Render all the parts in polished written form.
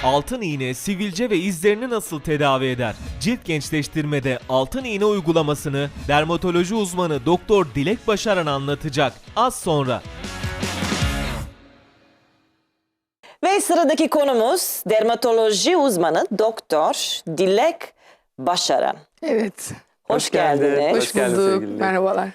Altın iğne, sivilce ve izlerini nasıl tedavi eder? Cilt gençleştirmede altın iğne uygulamasını dermatoloji uzmanı Doktor Dilek Başaran anlatacak az sonra. Ve sıradaki konumuz dermatoloji uzmanı Doktor Dilek Başaran. Evet. Hoş geldiniz. Hoş geldin bulduk. sevgili Dilek. Merhabalar.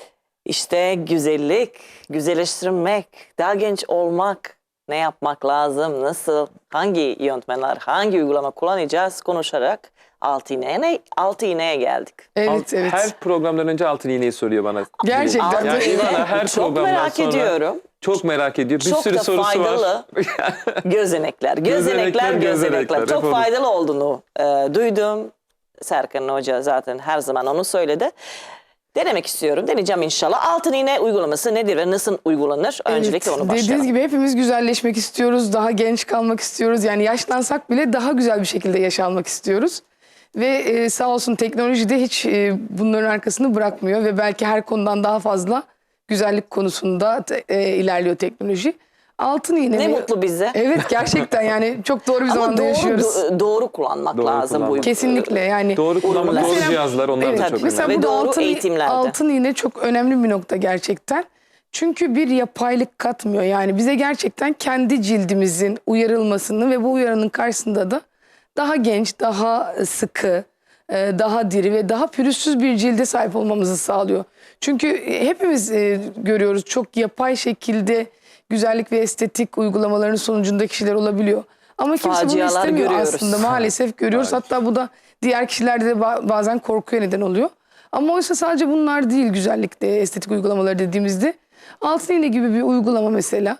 İşte güzellik, güzelleştirmek, daha genç olmak, ne yapmak lazım, nasıl, hangi yöntemler, hangi uygulama kullanacağız konuşarak altı iğneye geldik. Evet, evet. Her programdan önce altın iğneyi soruyor bana. Gerçekten. Altın Yani iğne İvana her çok programdan merak sonra ediyorum. çok merak ediyor. Bir Çok sürü da sorusu faydalı. var. Gözenekler. Gözenekler, Çok hep faydalı olduğunu duydum. Serkan Hoca zaten her zaman onu söyledi. Denemek istiyorum. Deneyeceğim inşallah. Altın iğne uygulaması nedir ve nasıl uygulanır? Öncelikle onu başlayalım. Dediğiniz gibi hepimiz güzelleşmek istiyoruz. Daha genç kalmak istiyoruz. Yani yaşlansak bile daha güzel bir şekilde yaşanmak istiyoruz. Ve sağ olsun teknoloji de hiç bunların arkasını bırakmıyor. Ve belki her konudan daha fazla güzellik konusunda ilerliyor teknoloji. Altın iğne. Ne mutlu bize. Evet, gerçekten yani çok doğru bir Ama zamanda yaşıyoruz. doğru kullanmak Doğru lazım bu. kullanmak. Kesinlikle yani. Doğru kullanmak, doğru Mesela- cihazlar onlar da Evet, çok mesela önemli. Ve burada doğru eğitimlerde. altın iğne çok önemli bir nokta gerçekten. Çünkü bir yapaylık katmıyor. Yani bize gerçekten kendi cildimizin uyarılmasını ve bu uyarının karşısında da daha genç, daha sıkı, daha diri ve daha pürüzsüz bir cilde sahip olmamızı sağlıyor. Çünkü hepimiz görüyoruz, çok yapay şekilde güzellik ve estetik uygulamaların sonucunda kişiler olabiliyor. Ama kimse bunu Facialar istemiyor görüyoruz. aslında. Maalesef görüyoruz. Hatta bu da diğer kişilerde de bazen korkuya neden oluyor. Ama oysa sadece bunlar değil güzellikte, estetik uygulamaları dediğimizde. Altın iğne gibi bir uygulama mesela.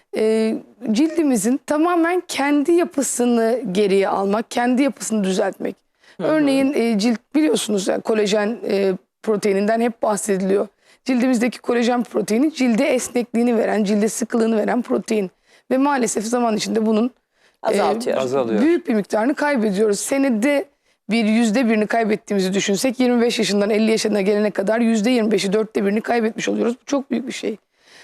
Cildimizin tamamen kendi yapısını geriye almak, kendi yapısını düzeltmek. Örneğin cilt biliyorsunuz yani kolajen proteininden hep bahsediliyor. Cildimizdeki kolajen proteini cilde esnekliğini veren, cilde sıkılığını veren protein. Ve maalesef zaman içinde bunun Azaltıyor. Azalıyor. büyük bir miktarını kaybediyoruz. Senede bir %1'ini kaybettiğimizi düşünsek 25 yaşından 50 yaşına gelene kadar %25'i, 1/4'ini kaybetmiş oluyoruz. Bu çok büyük bir şey.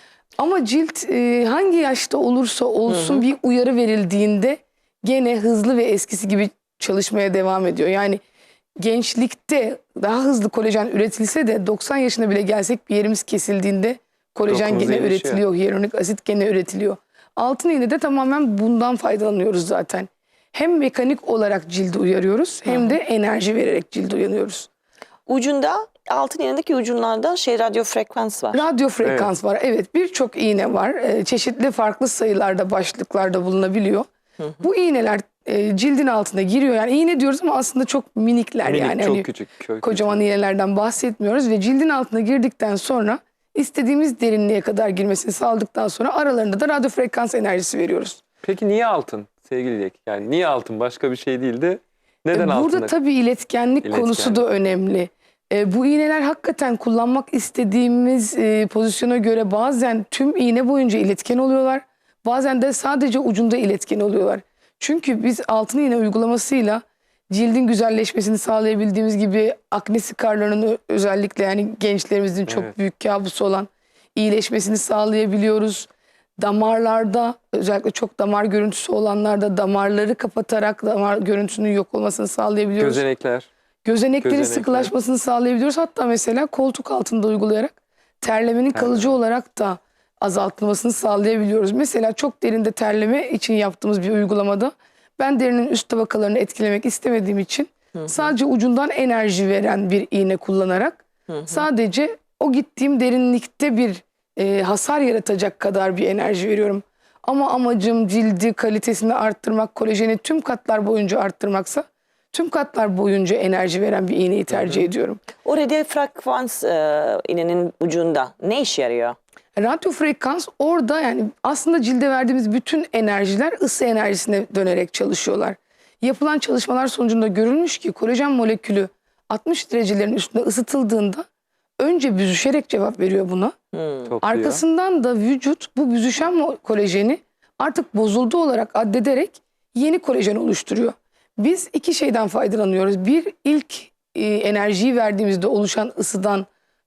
Ama cilt hangi yaşta olursa olsun bir uyarı verildiğinde gene hızlı ve eskisi gibi çalışmaya devam ediyor. Yani gençlikte daha hızlı kolajen üretilse de 90 yaşına bile gelsek bir yerimiz kesildiğinde kolajen Dokumuz gene iyileşiyor. üretiliyor, hyaluronik asit gene üretiliyor. Altın iğnede tamamen bundan faydalanıyoruz zaten. Hem mekanik olarak cildi uyarıyoruz hem de enerji vererek cildi uyanıyoruz. Ucunda altın iğnedeki ucunlarda radyo frekans var. Radyo frekans var. Evet, birçok iğne var. Çeşitli farklı sayılarda, başlıklarda bulunabiliyor. Bu iğneler cildin altına giriyor. Yani iğne diyoruz ama aslında çok minikler. Minik, yani. çok Hani küçük. kocaman iğnelerden bahsetmiyoruz ve cildin altına girdikten sonra istediğimiz derinliğe kadar girmesini sağladıktan sonra aralarında da radyo frekans enerjisi veriyoruz. Peki niye altın sevgili Dilek? Yani niye altın? Başka bir şey değil de neden altın? Burada tabii iletkenlik konusu da önemli. Bu iğneler hakikaten kullanmak istediğimiz pozisyona göre bazen tüm iğne boyunca iletken oluyorlar. Bazen de sadece ucunda iletken oluyorlar. Çünkü biz altın iğne uygulamasıyla cildin güzelleşmesini sağlayabildiğimiz gibi akne skarlarının özellikle yani gençlerimizin çok büyük kabusu olan iyileşmesini sağlayabiliyoruz. Damarlarda özellikle çok damar görüntüsü olanlarda damarları kapatarak damar görüntüsünün yok olmasını sağlayabiliyoruz. Gözeneklerin sıkılaşmasını sağlayabiliyoruz. Hatta mesela koltuk altında uygulayarak terlemenin kalıcı olarak da azaltılmasını sağlayabiliyoruz. Mesela çok derinde terleme için yaptığımız bir uygulamada ben derinin üst tabakalarını etkilemek istemediğim için sadece ucundan enerji veren bir iğne kullanarak sadece o gittiğim derinlikte bir hasar yaratacak kadar bir enerji veriyorum. Ama amacım cildi kalitesini arttırmak, kolajeni tüm katlar boyunca arttırmaksa tüm katlar boyunca enerji veren bir iğneyi tercih ediyorum. O radyo frekans iğnenin ucunda ne işe yarıyor? Radyo frekans orada yani aslında cilde verdiğimiz bütün enerjiler ısı enerjisine dönerek çalışıyorlar. Yapılan çalışmalar sonucunda görülmüş ki kolajen molekülü 60 derecelerin üstünde ısıtıldığında önce büzüşerek cevap veriyor buna. Arkasından da vücut bu büzüşen kolajeni artık bozuldu olarak addederek yeni kolajen oluşturuyor. Biz iki şeyden faydalanıyoruz. Bir, ilk enerjiyi verdiğimizde oluşan ısıdan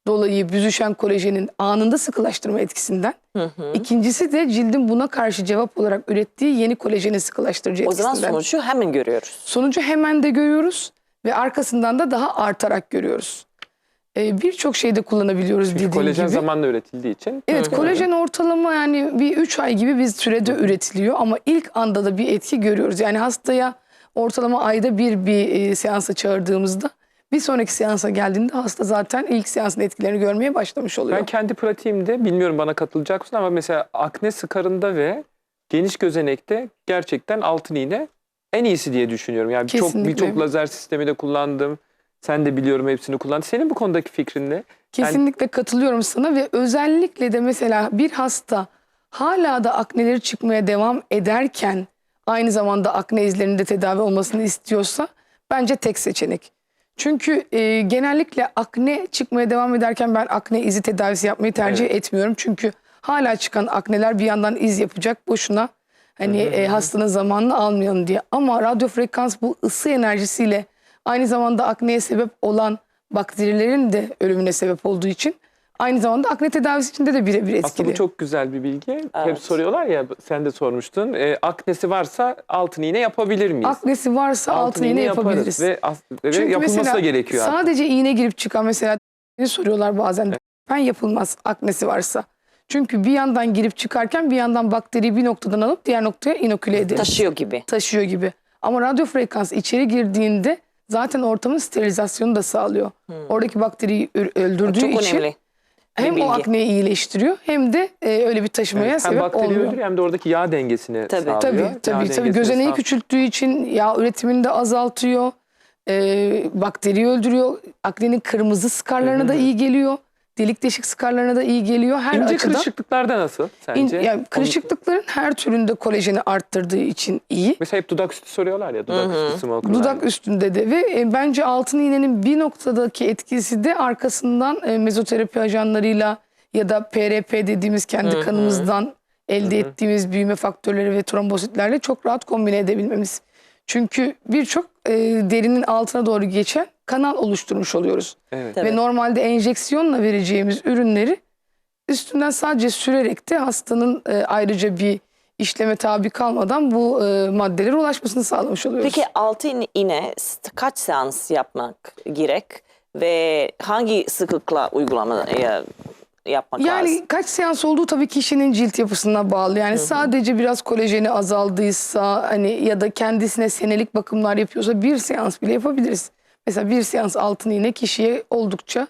dolayı büzüşen kolajenin anında sıkılaştırma etkisinden. İkincisi de cildin buna karşı cevap olarak ürettiği yeni kolajeni sıkılaştırıcı O zaman etkisinden. sonucu hemen görüyoruz. Sonucu hemen de görüyoruz ve arkasından da daha artarak görüyoruz. Birçok şeyde kullanabiliyoruz Çünkü dediğim kolajen gibi. zamanla üretildiği için. Evet, kolajen ortalama yani bir 3 ay gibi bir sürede üretiliyor ama ilk anda da bir etki görüyoruz. Yani hastaya ortalama ayda bir seansa çağırdığımızda bir sonraki seansa geldiğinde hasta zaten ilk seansın etkilerini görmeye başlamış oluyor. Ben kendi pratiğimde, bilmiyorum bana katılacak mısın ama mesela akne skarında ve geniş gözenekte gerçekten altın iğne en iyisi diye düşünüyorum. Yani Kesinlikle. birçok lazer sistemi de kullandım. Sen de biliyorum hepsini kullandın. Senin bu konudaki fikrin ne? Kesinlikle katılıyorum sana ve özellikle de mesela bir hasta hala da akneleri çıkmaya devam ederken aynı zamanda akne izlerinin de tedavi olmasını istiyorsa bence tek seçenek. Çünkü genellikle akne çıkmaya devam ederken ben akne izi tedavisi yapmayı tercih etmiyorum. Çünkü hala çıkan akneler bir yandan iz yapacak boşuna hani hastanın zamanını almayalım diye. Ama radyo frekans bu ısı enerjisiyle aynı zamanda akneye sebep olan bakterilerin de ölümüne sebep olduğu için aynı zamanda akne tedavisi içinde de birebir etkili. Aslında bu çok güzel bir bilgi. Hep Evet. soruyorlar ya, sen de sormuştun. Aknesi varsa altın iğne yapabilir miyiz? Aknesi varsa altın iğne yaparız yapabiliriz. ve Çünkü yapılması mesela da gerekiyor artık. sadece iğne girip çıkan mesela ne soruyorlar bazen. Ben yapılmaz aknesi varsa. Çünkü bir yandan girip çıkarken bir yandan bakteriyi bir noktadan alıp diğer noktaya inoküle ederiz. Taşıyor gibi. Ama radyo frekans içeri girdiğinde zaten ortamın sterilizasyonu da sağlıyor. Oradaki bakteriyi öldürdüğü Çok için önemli. hem bilgi. o akneyi iyileştiriyor hem de öyle bir taşımaya Hem sebep bakteri olmuyor. öldürüyor hem de oradaki yağ dengesini Tabii. sağlıyor. Tabii Yağ tabii. dengesini Gözeneği sağ- küçülttüğü için yağ üretimini de azaltıyor. Bakteriyi öldürüyor. Aknenin kırmızı skarlarına da iyi geliyor. Delik deşik skarlarına da iyi geliyor. Her İnce açıdan. kırışıklıklarda nasıl sence? Yani kırışıklıkların her türünde kolajeni arttırdığı için iyi. Mesela hep dudak üstü soruyorlar ya, dudak üstü smokerlar. Dudak üstünde de ve bence altın iğnenin bir noktadaki etkisi de arkasından mezoterapi ajanlarıyla ya da PRP dediğimiz kendi kanımızdan elde ettiğimiz büyüme faktörleri ve trombositlerle çok rahat kombine edebilmemiz. Çünkü birçok derinin altına doğru geçen kanal oluşturmuş oluyoruz. Evet. Tabii. Ve normalde enjeksiyonla vereceğimiz ürünleri üstünden sadece sürerek de hastanın ayrıca bir işleme tabi kalmadan bu maddelere ulaşmasını sağlamış oluyoruz. Peki altın iğne kaç seans yapmak gerek ve hangi sıklıkla yapmak lazım? Yani kaç seans olduğu tabii kişinin cilt yapısına bağlı. Yani sadece biraz kolajeni azaldıysa hani ya da kendisine senelik bakımlar yapıyorsa bir seans bile yapabiliriz. Mesela bir seans altın iğne kişiye oldukça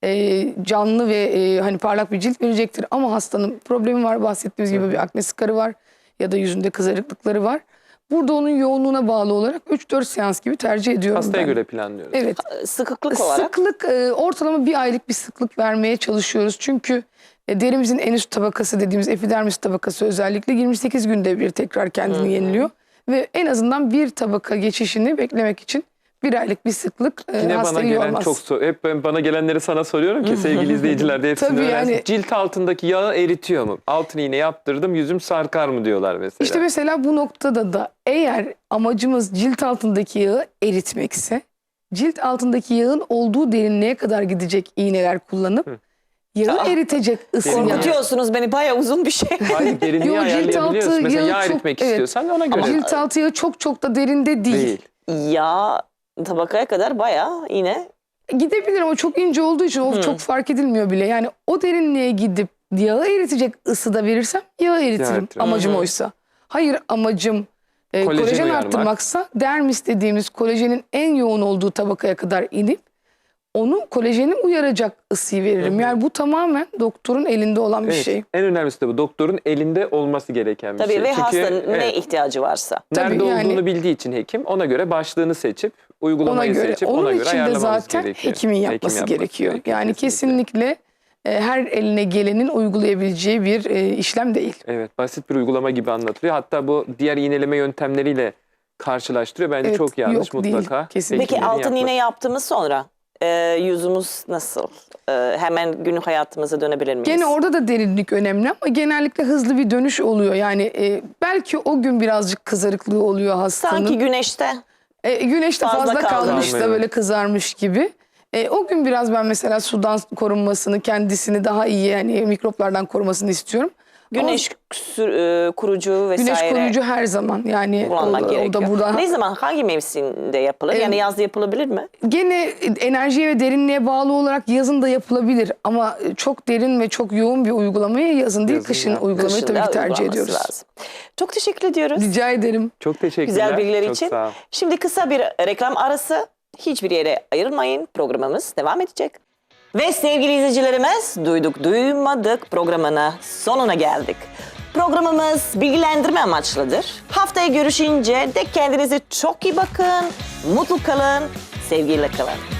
canlı ve hani parlak bir cilt verecektir. Ama hastanın problemi var, bahsettiğimiz gibi bir akne skarı var ya da yüzünde kızarıklıkları var. Burada onun yoğunluğuna bağlı olarak 3-4 seans gibi tercih ediyorum Hastaya ben. göre planlıyoruz. Evet. Sıklık olarak Sıklık ortalama bir aylık bir sıklık vermeye çalışıyoruz. Çünkü derimizin en üst tabakası dediğimiz epidermis tabakası özellikle 28 günde bir tekrar kendini yeniliyor. Ve en azından bir tabaka geçişini beklemek için bir aylık bir sıklık Yine bana hastayı gelen yormaz. hep bana gelenleri sana soruyorum ki sevgili izleyiciler de hepsini Tabii öğrensin. yani- Cilt altındaki yağı eritiyor mu? Altın iğne yaptırdım, yüzüm sarkar mı diyorlar mesela. İşte mesela bu noktada da eğer amacımız cilt altındaki yağı eritmekse cilt altındaki yağın olduğu derinliğe kadar gidecek iğneler kullanıp yağı eritecek ısı yağı. korkutuyorsunuz beni, bayağı uzun bir şey. Hayır, derinliği Yo, cilt ayarlayabiliyoruz. altı Mesela yağı yağ çok- eritmek evet. istiyorsan ona göre. Cilt altı yağı çok da derinde değil. Ya tabakaya kadar bayağı yine Gidebilir ama çok ince olduğu için o çok fark edilmiyor bile. Yani o derinliğe gidip yağı eritecek ısıda verirsem yağı eritirim. eritirim. Amacım oysa. Hayır, amacım Kolajeni kolajen uyarmak. arttırmaksa dermis dediğimiz kolajenin en yoğun olduğu tabakaya kadar inip onu kolajeni uyaracak ısıyı veririm. Yani bu tamamen doktorun elinde olan bir Evet, şey. en önemlisi de bu. Doktorun elinde olması gereken bir tabii şey. ve Çünkü, hastanın ne evet, ihtiyacı varsa. Tabii nerede yani- olduğunu bildiği için hekim ona göre başlığını seçip, Ona uygulamayı göre. seçip Onun ona göre için de ayarlamamız zaten gerekiyor. hekimin Hekim yapması yapması gerekiyor. gerekiyor, Yani kesinlikle her eline gelenin uygulayabileceği bir işlem değil. Evet, basit bir uygulama gibi anlatılıyor. Hatta bu diğer iğneleme yöntemleriyle karşılaştırıyor. Bence Evet, çok yanlış, yok değil, mutlaka. kesinlikle. Peki hekimlerin altın yapması. iğne yaptığımız sonra yüzümüz nasıl? Hemen günlük hayatımıza dönebilir miyiz? Gene orada da derinlik önemli ama genellikle hızlı bir dönüş oluyor. Yani belki o gün birazcık kızarıklığı oluyor hastanın. Sanki güneşte Güneşte fazla fazla kalmış kalmış. da böyle kızarmış gibi. O gün biraz ben mesela sudan korunmasını, kendisini daha iyi yani mikroplardan korumasını istiyorum. Güneş kurucu vesaire. Güneş koruyucu her zaman yani kullanmak o gerekiyor. da burada. Ne zaman, hangi mevsimde yapılır? Yani yazda yapılabilir mi? Gene enerjiye ve derinliğe bağlı olarak yazın da yapılabilir ama çok derin ve çok yoğun bir uygulamayı yazın değil, Yazın kışın ya. uygulamayı Kışın tabii da ki tercih uygulaması ediyoruz. lazım. Çok teşekkür ediyoruz. Rica ederim. Çok teşekkürler. Güzel bilgiler Çok için. sağ ol. Şimdi kısa bir reklam arası. Hiçbir yere ayrılmayın. Programımız devam edecek. Ve sevgili izleyicilerimiz, duyduk duymadık programına sonuna geldik. Programımız bilgilendirme amaçlıdır. Haftaya görüşünce de kendinize çok iyi bakın, mutlu kalın, sevgiyle kalın.